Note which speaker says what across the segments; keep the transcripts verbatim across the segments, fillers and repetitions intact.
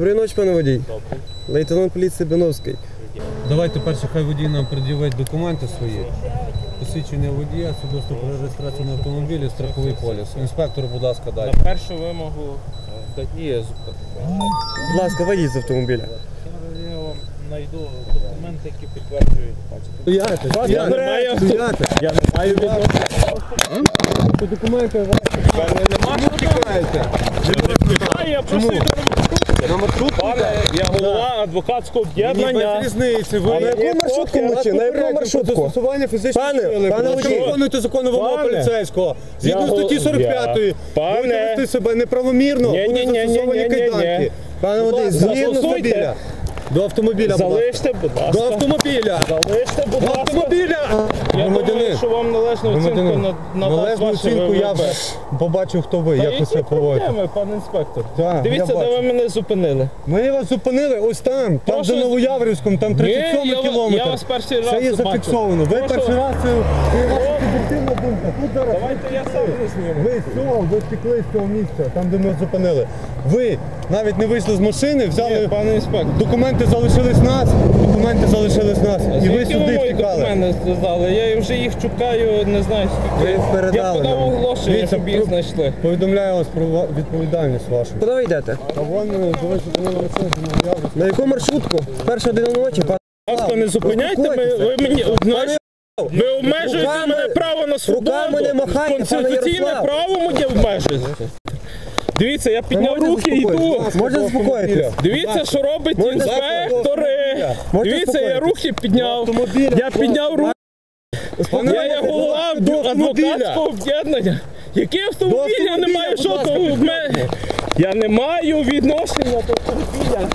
Speaker 1: Доброї ночі, пане водій.
Speaker 2: Добре.
Speaker 1: Лейтенант поліції Биновський.
Speaker 3: Давайте перше, хай водій нам пред'явить документи свої. Посвідчення водія, свідоцтво про реєстрацію на автомобілі, страховий поліс. Інспектору, будь ласка,
Speaker 2: На
Speaker 3: дайте.
Speaker 2: першу вимогу дає зупинити.
Speaker 1: Будь ласка, вийдіть з автомобіля.
Speaker 2: Я вам знайду документи, які підтверджують.
Speaker 1: Стояти,
Speaker 2: Я не маю,
Speaker 1: стояти.
Speaker 2: я не маю відношення.
Speaker 1: Це документи ваші.
Speaker 2: Нема, що тікаєте? Я просто йду
Speaker 1: На маршрутку?
Speaker 2: Пане, я голова адвокатського об'єднання.
Speaker 1: Без різниці. Ви
Speaker 2: А на яку
Speaker 1: маршрутку мочі? На яку маршрутку? Застосування фізичної Пане, сили. пане Ви водій. виконуєте законну вимогу
Speaker 2: Пане.
Speaker 1: поліцейського. Згідно
Speaker 2: Я
Speaker 1: статті
Speaker 2: гол-
Speaker 1: сорок п'ятої.
Speaker 2: я- Пане.
Speaker 1: Будете вести себе неправомірно.
Speaker 2: Ні, ні,
Speaker 1: Будуть
Speaker 2: ні, ні,
Speaker 1: застосовані
Speaker 2: ні, ні,
Speaker 1: кайданки.
Speaker 2: ні.
Speaker 1: Пане водій, згідно з
Speaker 2: Застосуйте.
Speaker 1: автомобіля. До автомобіля, будь ласка.
Speaker 2: Залиште, будь
Speaker 1: До
Speaker 2: ласка.
Speaker 1: автомобіля.
Speaker 2: Залиште, будь
Speaker 1: До
Speaker 2: ласка.
Speaker 1: автомобіля.
Speaker 2: Я думаю,
Speaker 1: Громадянин.
Speaker 2: що вам належну оцінку
Speaker 1: Громадянин.
Speaker 2: на- надасть
Speaker 1: Належну
Speaker 2: ваше
Speaker 1: оцінку я
Speaker 2: ВВП.
Speaker 1: вже побачив, хто ви,
Speaker 2: Та
Speaker 1: як ви
Speaker 2: які
Speaker 1: себе поводите.
Speaker 2: проблеми, пане інспектор?
Speaker 1: Так,
Speaker 2: Дивіться,
Speaker 1: я
Speaker 2: де ви
Speaker 1: бачу.
Speaker 2: мене зупинили.
Speaker 1: Ми вас зупинили ось там, там
Speaker 2: Прошу.
Speaker 1: за Новояврівськом, там тридцять
Speaker 2: Ні,
Speaker 1: сьомий
Speaker 2: я ва-
Speaker 1: кілометр.
Speaker 2: я вас перший раз
Speaker 1: Це є
Speaker 2: бачу.
Speaker 1: зафіксовано. Ви
Speaker 2: Прошу.
Speaker 1: перший раз, це це ваша суб'єктивна думка. Тут зараз
Speaker 2: Давайте я сам не зніму.
Speaker 1: ви з цього, ви втекли з цього місця, там де ми вас зупинили. Ви навіть не вийшли з машини, взяли
Speaker 2: Ні, пане інспектор.
Speaker 1: документи, залишились нас, документи залишились нас. І ви
Speaker 2: Звідки
Speaker 1: сюди
Speaker 2: мої
Speaker 1: втікали.
Speaker 2: документи сказали? Я вже їх шукаю, не знаю скільки.
Speaker 1: Ви передали
Speaker 2: Я подав
Speaker 1: нам.
Speaker 2: оголошення,
Speaker 1: Дивіться,
Speaker 2: щоб їх
Speaker 1: про-
Speaker 2: знайшли.
Speaker 1: Повідомляю вас про ва- відповідальність вашу.
Speaker 4: Куди ви йдете?
Speaker 1: А вон ви зупинили машину з Новояврівськом.
Speaker 4: На яку маршрутку? Перша година ночі, пане.
Speaker 2: Будь ласка, не зупиняйте мене, ви мені знаєте, ви обмежуєте
Speaker 4: Руками-
Speaker 2: мене право на свободу.
Speaker 4: руками не махайте, пане
Speaker 2: Конституційне
Speaker 4: Ярослав.
Speaker 2: право моє обмежуєте. Дивіться, я підняв
Speaker 4: можете
Speaker 2: руки і йду.
Speaker 4: заспокоїтися? Можете заспокоїтися?
Speaker 2: Дивіться, що робить
Speaker 4: Можете
Speaker 2: інспектори.
Speaker 4: Можете
Speaker 2: Дивіться, я
Speaker 4: заспокоїтися?
Speaker 2: руки підняв.
Speaker 1: автомобіля,
Speaker 2: Я підняв руки. Я є голова
Speaker 1: до автомобіля.
Speaker 2: адвокатського об'єднання. Який автомобіль? Я не
Speaker 1: автомобіля,
Speaker 2: маю
Speaker 1: будь
Speaker 2: що
Speaker 1: ласка,
Speaker 2: того в мене. Я не маю відношення до автомобіля.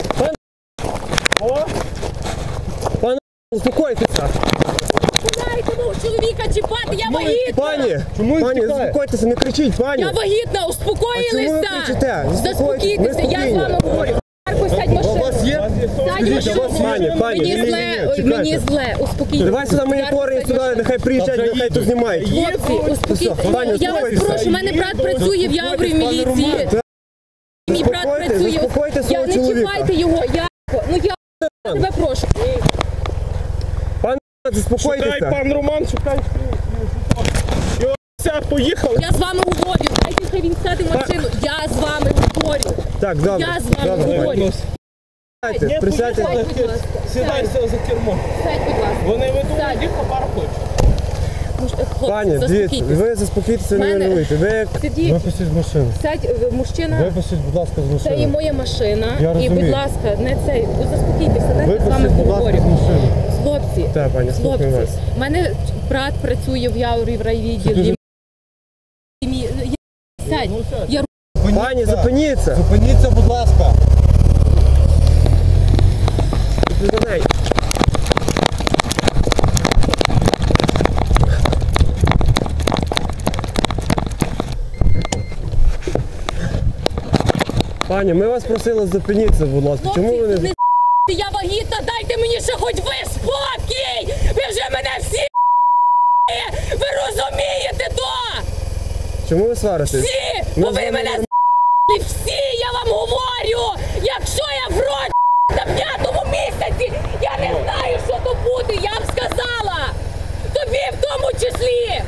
Speaker 2: О,
Speaker 4: Успокойтеся.
Speaker 5: Дайте мого чоловіка чіпати, я вагітна!
Speaker 4: Пані,
Speaker 1: Чому він
Speaker 4: пані,
Speaker 1: втікає?
Speaker 4: заспокойтеся, не кричіть, пані.
Speaker 5: Я вагітна,
Speaker 4: А чому ви
Speaker 5: успокоїлися!
Speaker 4: кричите?
Speaker 5: Заспокійтеся, я з вами говорю. Марко, сядь в
Speaker 1: У вас
Speaker 5: машину.
Speaker 1: є?
Speaker 5: Сядь в
Speaker 1: Скажіть, а у вас
Speaker 5: машину.
Speaker 1: є?
Speaker 4: Пані,
Speaker 5: Мені
Speaker 1: ні, ні,
Speaker 5: зле,
Speaker 1: ні,
Speaker 5: ой,
Speaker 1: чекайте.
Speaker 5: мені зле, успокійтеся.
Speaker 4: Давай сюди монітори,
Speaker 5: Сядь в
Speaker 4: сюди,
Speaker 5: машину.
Speaker 4: нехай приїжджають,
Speaker 1: Та вже
Speaker 4: нехай тут
Speaker 1: їдуть.
Speaker 4: знімають.
Speaker 5: Хлопці, успокійтеся.
Speaker 4: Все, пані,
Speaker 5: Я вас
Speaker 4: успокойтеся.
Speaker 5: прошу, у мене брат працює в Яврі в міліції. Мій брат
Speaker 4: Заспокойте,
Speaker 5: працює.
Speaker 4: заспокойте
Speaker 5: Я
Speaker 4: свого
Speaker 5: не
Speaker 4: чоловіка.
Speaker 5: чіпайте його, я... Ну я тебе прошу.
Speaker 4: Пане,
Speaker 2: шукай,
Speaker 4: заспокойтеся.
Speaker 2: пан Роман, шукай. Його ся, поїхали.
Speaker 5: Я з вами говорю, дайте хай він сяде в машину. Я з вами говорю.
Speaker 4: Так, добре.
Speaker 5: Я з вами
Speaker 4: Добре.
Speaker 5: говорю.
Speaker 4: Присядьте,
Speaker 2: Ні,
Speaker 4: присядьте.
Speaker 5: Сядь, будь ласка.
Speaker 2: Сідайся за кермо.
Speaker 5: Сядь, будь ласка.
Speaker 2: Вони ведуть
Speaker 5: Сядь.
Speaker 2: їх по парку.
Speaker 5: Муж- Хлопці,
Speaker 4: Пані, дивіться,
Speaker 5: заспокійтеся.
Speaker 4: ви заспокійтеся, не
Speaker 5: Мене-
Speaker 4: нервуйте. Ви
Speaker 5: Сидіть,
Speaker 1: Випустіть з машини.
Speaker 5: сядь, е, мужчина.
Speaker 1: Випустіть, будь ласка, з
Speaker 5: Це і
Speaker 1: машини.
Speaker 5: моя машина.
Speaker 1: Я
Speaker 5: І,
Speaker 1: розумію.
Speaker 5: будь ласка, не цей. Ви заспокійтеся, дайте з вами
Speaker 1: Випустіть, будь ласка,
Speaker 5: поговорю.
Speaker 1: з машини.
Speaker 5: Хлопці,
Speaker 4: Так, пані, слухаю вас.
Speaker 5: хлопці, у мене брат працює в Яурі в райвідділі. І мій- я- Сядь, я
Speaker 4: Пані, зупиніться.
Speaker 1: Зупиніться, будь ласка.
Speaker 4: За неї. Пані, ми вас просили зупиніться, будь ласка. Чому ви
Speaker 5: хлопці,
Speaker 4: не...
Speaker 5: не я вагітна, дайте мені ще хоч ви спокій! Ви вже мене всі ви розумієте то!
Speaker 4: Чому ви сваритесь?
Speaker 5: Всі!
Speaker 4: Ми
Speaker 5: Бо
Speaker 4: з
Speaker 5: ви
Speaker 4: вами
Speaker 5: мене
Speaker 4: норм-
Speaker 5: з**ли всі, я вам говорю! Якщо я в роті на п'ятому місяці, я не знаю, що то буде, я вам сказала! Тобі в тому числі!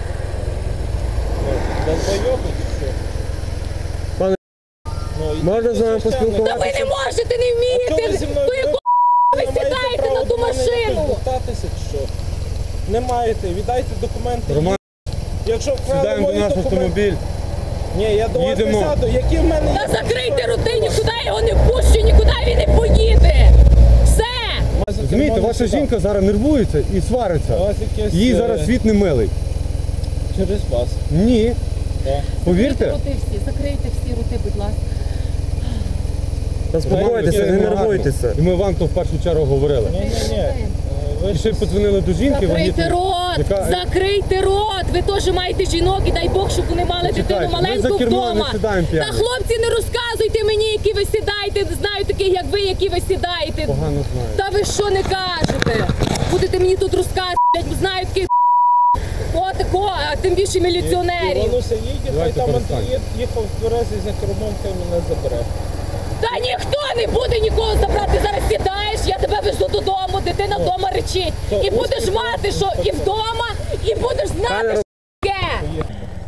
Speaker 4: Пане, можна з вами
Speaker 5: Та
Speaker 4: поспілкуватися?
Speaker 5: ви не можете, не вмієте! То яку ви сідаєте на ту машину?
Speaker 2: Не маєте, віддайте документи.
Speaker 1: Роман,
Speaker 2: Якщо вкрали
Speaker 1: сідаємо до
Speaker 2: мої
Speaker 1: нас в
Speaker 2: документи.
Speaker 1: автомобіль.
Speaker 2: Ні, я до вас не
Speaker 1: Їдемо.
Speaker 2: сяду. Які в мене
Speaker 5: Та закрийте роти, нікуди я його не пущу, нікуди він не поїде! Все!
Speaker 1: Розумієте, ваша жінка зараз нервується і свариться.
Speaker 2: У вас якесь,
Speaker 1: Їй
Speaker 2: е,
Speaker 1: зараз світ не милий.
Speaker 2: через вас.
Speaker 1: Ні.
Speaker 2: Так.
Speaker 1: Повірте.
Speaker 5: Закрийте роти всі, закрийте всі роти, будь ласка.
Speaker 4: Заспокойтеся, не нервуйтеся.
Speaker 1: І ми вам то в першу чергу говорили.
Speaker 2: Ні, ні, ні. Ви
Speaker 1: І ще й подзвонили до жінки.
Speaker 5: Закрийте
Speaker 1: вагітної,
Speaker 5: рот!
Speaker 1: яка-
Speaker 5: Закрийте рот! Ви теж маєте жінок і дай Бог, щоб вони мали
Speaker 1: Почекайте,
Speaker 5: дитину
Speaker 1: ми
Speaker 5: маленьку
Speaker 1: за кермо
Speaker 5: вдома.
Speaker 1: не сідаємо
Speaker 5: Та
Speaker 1: п'яні.
Speaker 5: хлопці, не розказуйте мені, які ви сідаєте. Знаю таких, як ви, які ви сідаєте.
Speaker 1: Погано знаю.
Speaker 5: Та ви що не кажете? Будете мені тут розказувати, знаю таких о, такого, а тим більше міліціонерів.
Speaker 2: Івануся їде, хай
Speaker 1: Давайте
Speaker 2: там
Speaker 1: перестаньте.
Speaker 2: Андрій їхав в тверезий за кермом, хай мене забере.
Speaker 5: Та ніхто не буде нікого забрати. Ти зараз сідаєш, я тебе везу додому, дитина вдома речить. І будеш мати, що і вдома, і будеш знати, що таке.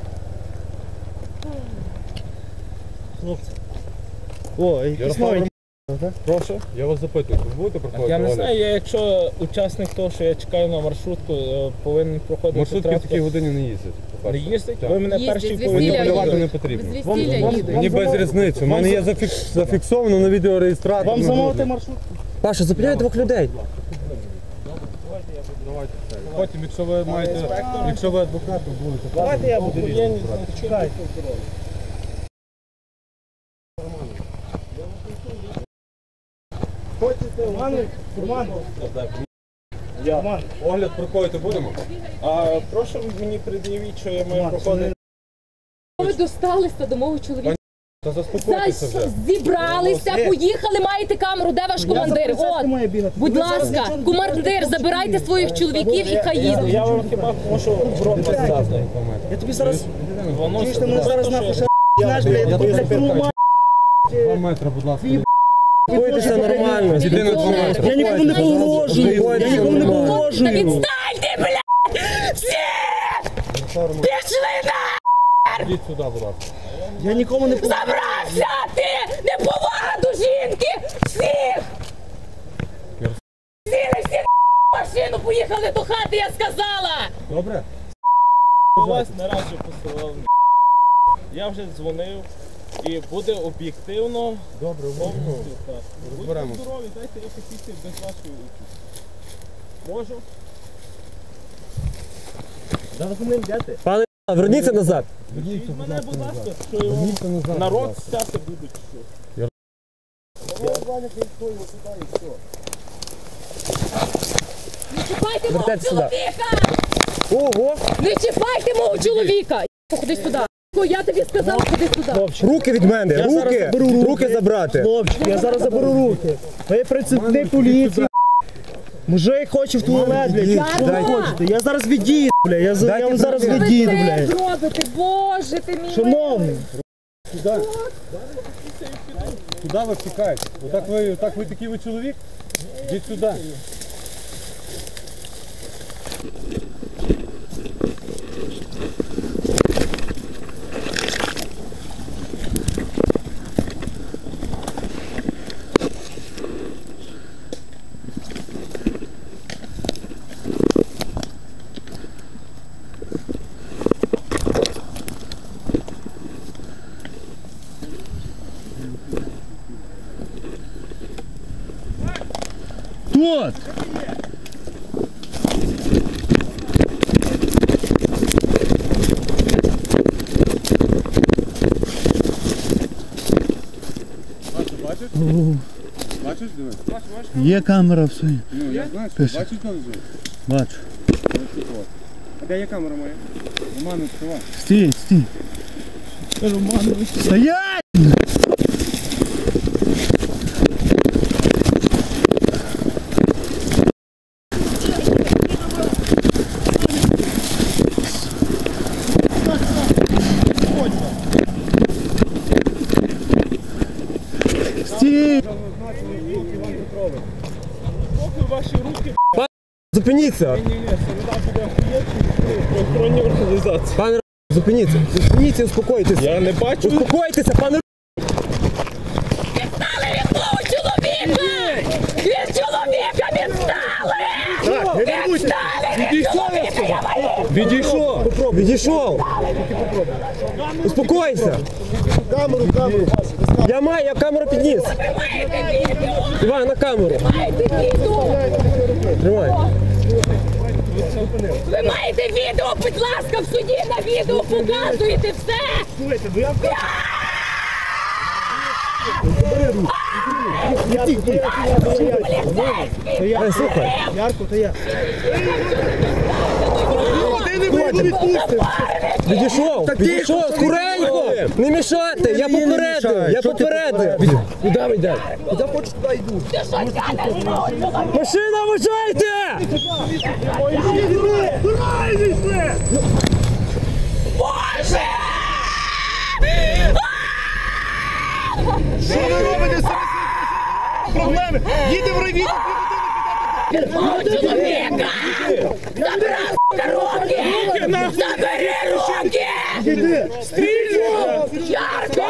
Speaker 1: О, якісь нові.
Speaker 3: Прошу. Я вас запитую, ви будете проходити?
Speaker 2: Я не
Speaker 3: огляд?
Speaker 2: знаю, я якщо учасник того, що я чекаю на маршрутку, е, повинен проходити
Speaker 3: Маршрутки в
Speaker 2: транспорт.
Speaker 3: такій годині не їздять.
Speaker 2: Не
Speaker 3: по-перше.
Speaker 2: їздять?
Speaker 3: Так.
Speaker 2: Ви мене
Speaker 5: Їздять,
Speaker 2: перші
Speaker 5: з
Speaker 2: повинні
Speaker 5: весілля
Speaker 3: Контролювати
Speaker 2: їздити.
Speaker 3: не
Speaker 5: З
Speaker 3: потрібно.
Speaker 5: весілля їдуть.
Speaker 1: Мені без різниці. У мене є зафікс- зафіксовано на відеореєстраторі.
Speaker 4: Вам замовити маршрут? Паша, зупиняй двох людей.
Speaker 3: Потім, якщо ви маєте, якщо ви адвокат, то будете.
Speaker 4: Давайте я буду.
Speaker 2: Я не знаю,
Speaker 3: Огляд проходити будемо?
Speaker 2: А прошу мені пред'явіть, що я маю проходити.
Speaker 5: Ви досталися до мого чоловіка.
Speaker 3: Та заспокойтеся
Speaker 5: Знаєш,
Speaker 3: вже.
Speaker 5: зібралися, поїхали, маєте камеру, де ваш командир? От, будь ласка, командир, забирайте своїх чоловіків і хай їдуть.
Speaker 2: Я вам хіба можу в рот сказати.
Speaker 4: Я тобі зараз...
Speaker 2: Воно
Speaker 4: Ти мене зараз нахуй ще знаєш, блядь, я блядь, полумаю.
Speaker 3: Два метри, будь ласка.
Speaker 4: Бойтеся нормально.
Speaker 3: Єдине два метри.
Speaker 4: Я нікому не погрожую. Я нікому не
Speaker 5: Та
Speaker 4: погрожую.
Speaker 5: відстаньте, блядь! Всі! Пішли на!
Speaker 3: Йдіть сюди, будь ласка.
Speaker 4: Я нікому не погрожую.
Speaker 5: Забрався ти! Неповага до жінки! Всіх! Сіли всі в машину, поїхали до хати, я сказала!
Speaker 3: Добре?
Speaker 2: вас наразі посилав. Я вже дзвонив і буде об'єктивно.
Speaker 3: Добре,
Speaker 2: повністю, так.
Speaker 3: розберемо.
Speaker 2: Будьте здорові, дайте я посісти без вашої участі. Можу?
Speaker 4: Пане, верніться назад.
Speaker 2: Від мене, будь ласка, що його народ стяти будуть. що.
Speaker 5: Не чіпайте мого
Speaker 4: Вертайте сюди.
Speaker 5: чоловіка!
Speaker 4: Ого.
Speaker 5: Не чіпайте мого чоловіка! Ходи сюди! Я тобі сказав, ходи сюди!
Speaker 4: Руки від мене. Руки. Руки забрати.
Speaker 6: Хлопчик, я зараз заберу руки. Ви працівник поліції. Мужик хоче в туалет, блядь. Що ви
Speaker 5: Дайте.
Speaker 6: хочете? Я зараз від'їду, блядь. Я, за- я
Speaker 4: Дайте
Speaker 6: вам зараз
Speaker 4: мені.
Speaker 6: від'їду,
Speaker 5: Ви це
Speaker 6: блядь.
Speaker 5: зробите, боже ти мій!
Speaker 6: Шановний,
Speaker 3: Куди ви втікаєте? Отак ви, отак ви такий ви чоловік? Йдіть сюди.
Speaker 6: тут!
Speaker 3: Бачиш, диви?
Speaker 6: Є камера все.
Speaker 3: Ну, я знаю, що бачиш, коли звуть?
Speaker 6: Бачу.
Speaker 3: А де є камера моя? Роман, відкривай.
Speaker 6: Стій, стій. Романович. Стоять! Стій!
Speaker 2: Поки ваші руки,
Speaker 4: Зупиніться.
Speaker 2: ні-ні, це буде охоронні організації.
Speaker 4: Пане, зупиніться. Зупиніться, успокойтеся.
Speaker 2: Я не бачу.
Speaker 4: Успокойтеся, пане.
Speaker 5: Відстали від мого чоловіка! Від чоловіка відстали! Відстали від чоловіка! Я маю!
Speaker 4: Відійшов. Відійшов. Успокойся.
Speaker 6: Камеру, камеру.
Speaker 4: Я маю, я камеру підніс.
Speaker 5: Ви маєте відео!
Speaker 4: Давай на камеру.
Speaker 5: Маєте відео!
Speaker 4: Тримай.
Speaker 5: Ви маєте відео, будь ласка, в суді на відео показуєте все!
Speaker 6: Слухайте, ви
Speaker 4: Ай, слухай.
Speaker 6: Ярко, то я. Ти не буду відпустити.
Speaker 4: Відійшов. Відійшов. Скоренько. Не мішайте. Я попередив. Я попередив. Куди ви йдете?
Speaker 6: Я хочу туди йду.
Speaker 5: Ти що тянеш мого чоловіка?
Speaker 4: Машина, вважайте!
Speaker 5: Боже!
Speaker 6: Що ви робите? привідів!
Speaker 5: Мого чоловіка! Забрав руки! Забери руки!
Speaker 6: Іди!
Speaker 5: Стрільну! Ярко!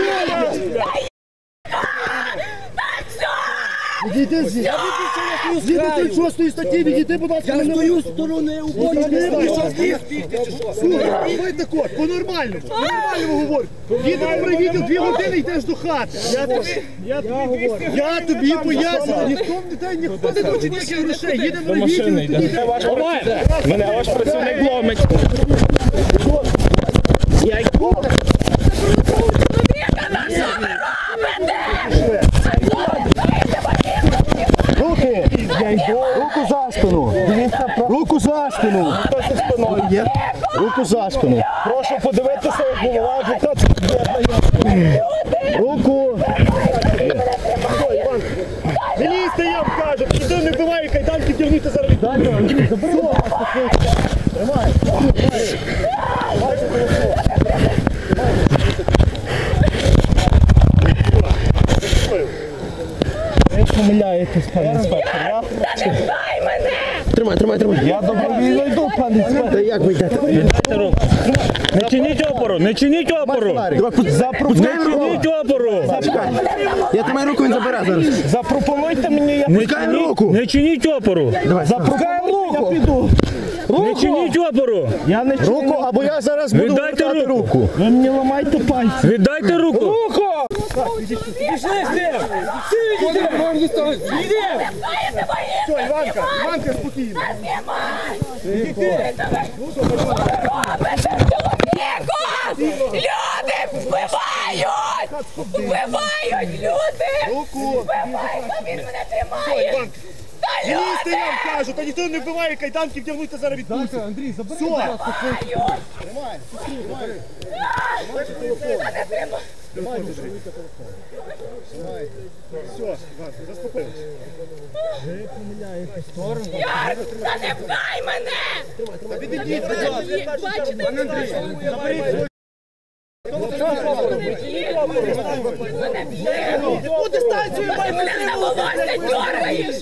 Speaker 6: Відійди звідси! Згідно тридцять шостої статті, відійди, будь ласка, мене. Я стою з сторони уборки. Слухай, так от, по-нормальному, по-нормальному говорю. Їдемо при відео, дві години йдеш до хати. Я тобі, я тобі, я тобі поясню, ніхто не дає, ніхто не хоче ніяких грошей. Їдемо при відео, тоді
Speaker 2: Ваш ваш- Мене ваш працівник ломить. Я йду.
Speaker 6: руки, руку за спину, руку за спину, руку за спину.
Speaker 2: Прошу подивитися, як голова адвоката об'єднання.
Speaker 6: Руку. Не лізьте, я вам кажу, ніхто не вбиває кайданки, вдягнути зараз віддайте. Андрій, забери. Тримай. Ви помиляєтесь, пане інспектор.
Speaker 5: Дай мене!
Speaker 4: Тримай, тримай, тримай.
Speaker 6: Я добровільно йду, пане інспектор.
Speaker 4: Та як ви йдете?
Speaker 2: Не чиніть опору, не чиніть опору. Не чиніть опору.
Speaker 4: Я тримаю руку, він забере зараз.
Speaker 2: Запропонуйте мені, я
Speaker 4: Не чиніть руку.
Speaker 2: Не чиніть опору.
Speaker 6: Запропонуйте, я піду.
Speaker 2: Не чиніть опору.
Speaker 6: Я не руку, або я зараз буду
Speaker 2: Віддайте
Speaker 6: вертати
Speaker 2: руку.
Speaker 6: руку. Ви мені ламайте пальці.
Speaker 2: Віддайте руку. Руку!
Speaker 6: Все, Іванка, Іванка, спокійно.
Speaker 5: Люди вбивають! Вбивають люди!
Speaker 6: Руку.
Speaker 5: Вбивають, а він мене тримає!
Speaker 6: Іванка.
Speaker 5: Та
Speaker 6: Не лізьте,
Speaker 5: люди!
Speaker 6: я вам кажу, та ніхто не вбиває кайданки, вдягнути зараз відпустять. Андрій, забери. Все.
Speaker 5: Вбивають!
Speaker 6: Все, Іванка, заспокоїлися.
Speaker 5: Яр, та не пхай мене!
Speaker 6: Відійдіть, будь ласка.
Speaker 5: Бачите,
Speaker 6: Пане Андрій, заберіть свою.
Speaker 5: у дистанцію мене за волосся дергаєш!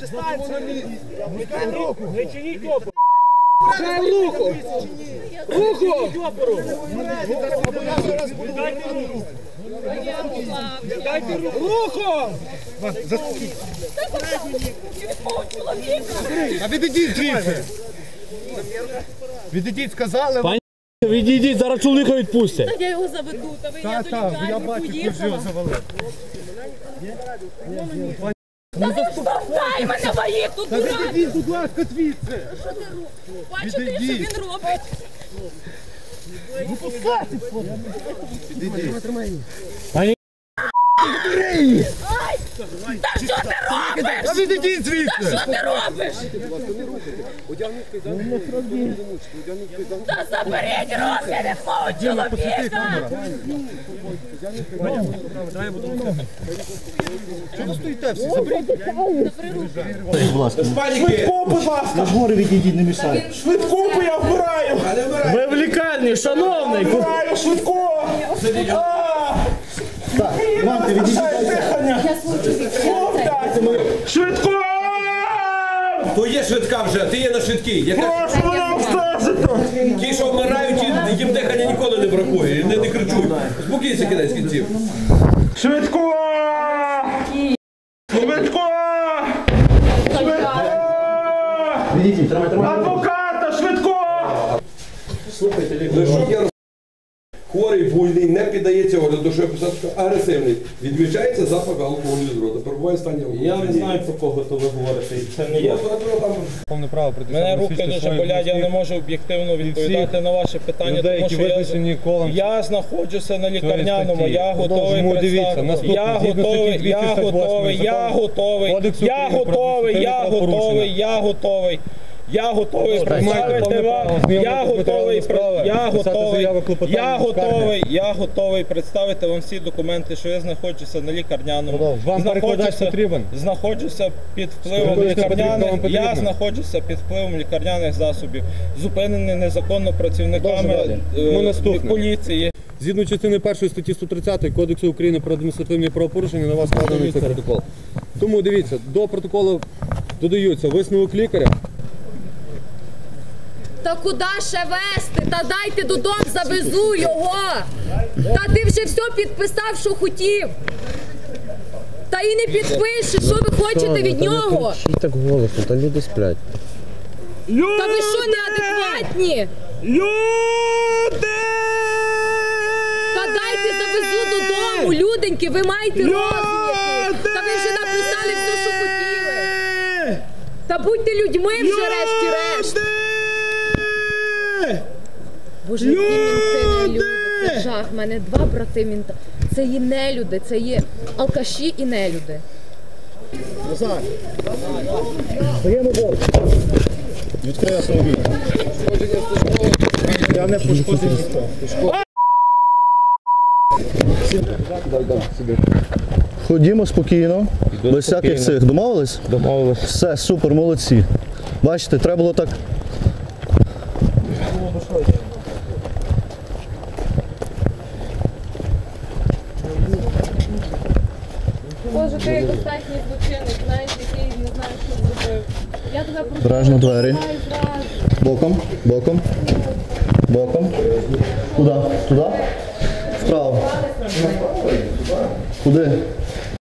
Speaker 2: Не чиніть опору.
Speaker 6: Руку!
Speaker 2: Руку!
Speaker 5: Дайте
Speaker 2: Руку!
Speaker 6: А відійдіть звідси. Відійдіть, сказали.
Speaker 2: Пані, відійдіть, зараз чоловіка відпустять.
Speaker 5: Я його заведу, та ви я
Speaker 6: Так, так, я бачу, ти вже його завалив.
Speaker 5: Та не штовхай мене, воїк, тут
Speaker 6: Та
Speaker 5: дурак!
Speaker 6: відійдіть, будь ласка, звідси.
Speaker 5: Що ти робиш? Бачите, що
Speaker 6: Відійдіть.
Speaker 5: він робить?
Speaker 2: Пані,
Speaker 5: Ай! Та що ти робиш?
Speaker 6: Та відійдіть звідси.
Speaker 5: Що ти робиш? Та заберіть руки від мого чоловіка!
Speaker 6: Чого ви стоїте всі? Заберіть.
Speaker 2: швидку, будь ласка.
Speaker 6: Нагору відійдіть, не мішайте.
Speaker 2: Швидку, бо я вбираю. Ви в лікарні, шановний. Вбираю, швидку. А!
Speaker 6: Іванка, відійдіть.
Speaker 2: Швидку!
Speaker 7: То є швидка вже, ти є на швидкій. Яка...
Speaker 2: Прошу мене обстежити.
Speaker 7: Ті, що вмирають, ті- їм дихання ніколи не бракує. Не, не кричуй. Спокійся, кінець кінців.
Speaker 2: Швидку! Швидку! Швидку!
Speaker 6: Відійдіть, тримай, тримай.
Speaker 2: Адвоката, швидку!
Speaker 7: Ну, що я роз- Хворий, буйний, не піддається огляду, що я писав, що агресивний. Відмічається запах алкоголю з рота. Перебуває в стані алкоголю.
Speaker 2: Я не знаю, про кого то ви говорите, і це не я.
Speaker 7: Прокуратура там
Speaker 3: Повне право прийти.
Speaker 2: Мене руки дуже болять, я не можу об'єктивно відповідати на ваше питання,
Speaker 3: людей,
Speaker 2: тому
Speaker 3: які
Speaker 2: що я,
Speaker 3: виписані колом
Speaker 2: я знаходжуся на лікарняному,
Speaker 3: статті.
Speaker 2: я готовий
Speaker 3: Тому дивіться,
Speaker 2: представити.
Speaker 3: наступне,
Speaker 2: Я
Speaker 3: згідно
Speaker 2: готовий,
Speaker 3: статті
Speaker 2: я
Speaker 3: двісті сорок восьмої
Speaker 2: готовий, я
Speaker 3: Закону
Speaker 2: готовий,
Speaker 3: Кодексу
Speaker 2: я
Speaker 3: України про
Speaker 2: готовий, я
Speaker 3: адміністративні
Speaker 2: готовий, я готовий. Я готовий представити
Speaker 3: повне
Speaker 2: вам,
Speaker 3: право знайомити
Speaker 2: я
Speaker 3: з
Speaker 2: готовий,
Speaker 3: матеріалами справи,
Speaker 2: я
Speaker 3: писати
Speaker 2: готовий,
Speaker 3: заяви, клопотання,
Speaker 2: я
Speaker 3: скарги.
Speaker 2: готовий, я готовий представити вам всі документи, що я знаходжуся на лікарняному.
Speaker 3: Вам перекладач
Speaker 2: Знаходжуся-
Speaker 3: потрібен?
Speaker 2: Знаходжуся під впливом
Speaker 3: Перекладач потрібен,
Speaker 2: лікарняних,
Speaker 3: вам потрібен?
Speaker 2: я знаходжуся під впливом лікарняних засобів, зупинений незаконно працівниками
Speaker 3: Дуже далі.
Speaker 2: е,
Speaker 3: Ну, наступне.
Speaker 2: поліції.
Speaker 1: Згідно частини першої статті сто тридцять Кодексу України про адміністративні правопорушення на вас складений цей протокол. Тому дивіться, до протоколу додаються висновок лікаря.
Speaker 5: Та куди ще вести? Та дайте додому, завезу його. Та ти вже все підписав, що хотів. Та і не підпишеш, що ви хочете від нього?
Speaker 4: Та так голосно, та люди сплять.
Speaker 5: Та ви що, неадекватні?
Speaker 2: Люди!
Speaker 5: Та дайте завезу додому, люденьки, ви маєте розум якийсь. Та ви вже написали все, що хотіли. Та будьте людьми вже решті-решт. Боже, які мінти не люди, це жах. У мене два брати мінта. Це є нелюди, це є алкаші і нелюди.
Speaker 6: Назар, даємо борт. Відкрий автомобіль. Я не пошкоджений ніхто. Ходімо спокійно, без всяких цих. Домовились?
Speaker 2: Домовились.
Speaker 6: Все, супер, молодці. Бачите, треба було так.
Speaker 5: Боже, ти як останній злочинник, знаєш, який не знає, що зробив. Я тебе прошу.
Speaker 6: Обережно двері.
Speaker 5: Зразу.
Speaker 6: Боком, боком, боком. Куди? Туди? Вправо. Куди?